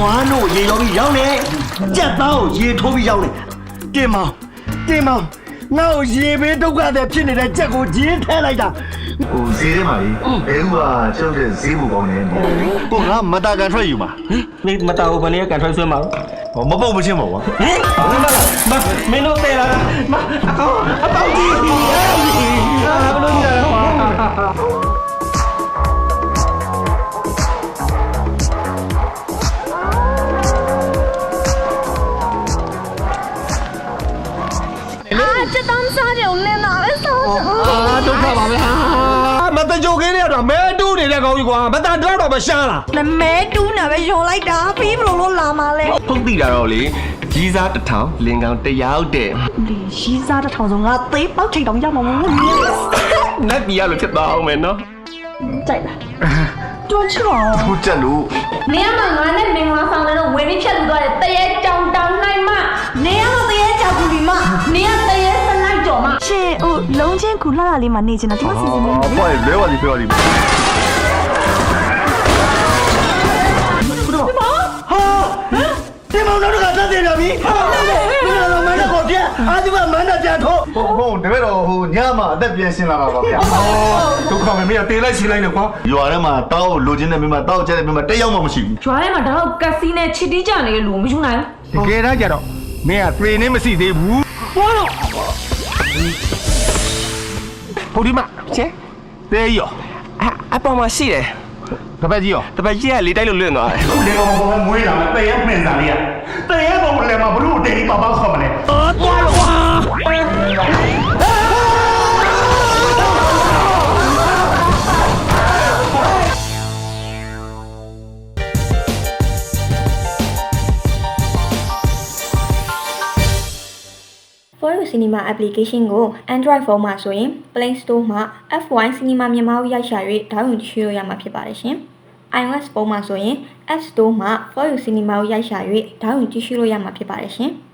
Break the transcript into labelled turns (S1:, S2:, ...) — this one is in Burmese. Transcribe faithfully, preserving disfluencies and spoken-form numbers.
S1: နွားတို့ရေရောပြီးရောက်နေကြက်သားကိုရေထိုးပြီးရောက်နေတင်မောင်တင်မောင်ငါ့ကိုရေဘေးဒုက္ခတွေဖြစ်နေတဲ့ကြက်ကိုဂျင်းထဲလိုက်တာ
S2: ဟိုဈေးထဲမှာလေဘဲဥကကျောက်တဲ့ဈေးဘူကောင်းနေတယ်ကိုငါမတာကန်ထွက်ယူမှာ
S1: မင်းမတော်ဘူးဘယ်နည်းကန်ထွက်ဆွဲမှာ
S2: ဟောမပုတ်မချင်းပါကွာ
S1: ဟင်မမင်းတို့တဲ့လားမအကောင်အပေါင်းကြီးဟာဘယ်လိုလဲဟာ
S3: 这当啥就来哪来啥？
S1: အာဒုက္ခပါပဲဟာမတကြိုကင်းရတော့မဲတူးနေတဲ့ကောင်ကြီးကွာမတန်တော့တော့မရှားလား
S3: 那没တူးနာပဲယုံလိုက်တာဖေးဘလို့လို့လာมาလဲ
S4: ဖုတ်တိတာတော့လေကြီးစားတစ်ထောင်လင်ကောင်တရာဟုတ်တဲ့
S3: ဒီရှိစားတဲ့ထောင်ဆုံးငါသေးပေါက်ထိတ်တောင်ရမှာမဟုတ်ဘူး
S4: နတ်ပြည်ရလို့ဖြစ်သွားအောင်မယ်နော်
S3: ကြိုက်လားတွန်းချော
S2: ဟိုတက်လို့
S5: နေရမှာငါနဲ့မင်္ဂလာဆောင်တဲ့တော့ဝင်ပြီးဖြတ်လူသွားတယ်တရေကြောင်တောင်နိုင်မ
S3: နေရမသေးကြောက်ဘူးဒီမ
S5: နေရတရေစလိုက်ကြော်မ
S3: ရှင်ဟိုလုံးချင်းကူလှလာလေးမှာနေချင်တာဒီမှာစီစဉ်နေတယ်
S2: ဟောလဲဝါဒီပြောဒီ
S1: ဟာတင်မောင်တို့ကတက်တယ်ဗျာပြီဟာမင်းတို့မန္တကိုပြအာဒီကမန္တပြန်ထိုး
S2: ဟိုဟိုတပည့်တော်ဟိုညမှာအသက်ပြန်ရှင်းလာပါပါဗျာ
S4: ဒုက္ခပဲမင်းကတေးလိုက်ရှင်းလိုက်နဲ့ကွာ
S2: ရွာထဲမှာတောက်လိုချင်တဲ့မိမတောက်ကျတဲ့မိမတက်ရောက်မှမရှိဘူး
S5: ကျွားထဲမှာတော့ကက်စီနဲ့ချစ်တီးကြနေတဲ့လူမယူနိုင်
S1: တကယ်တမ်းကျတော့မင်းကပြေနေမရှိသေးဘူးဟောတော့ဟိုဒီမှာချဲတဲရော
S4: အအပေါ်မှာရှိတယ်
S1: တပတ်ကြီးရော
S4: တပတ်ကြီးကလေးတိုက်လို့လွင့်သွားတယ်
S2: လေကောင်ကောင်မွေးလာမယ်တည့်ရမှင်စားလေးရတည့်ရကောင်လည်းမဘလို့တိတ်ပါပါခေါ်မလဲ
S1: အော်သွားလို့ဟာ
S6: For You Cinema application ကို Android phone မှာဆိုရင် Play Store မှာ F one Cinema မြန်မာကိုရိုက်ရှာ၍ဒေါင်းလုဒ်ကြည့်လို့ရမှာဖြစ်ပါတယ်ရှင်။ iOS ဖုန်းမှာဆိုရင် App Store မှာ For You Cinema ကိုရိုက်ရှာ၍ဒေါင်းလုဒ်ကြည့်လို့ရမှာဖြစ်ပါတယ်ရှင်။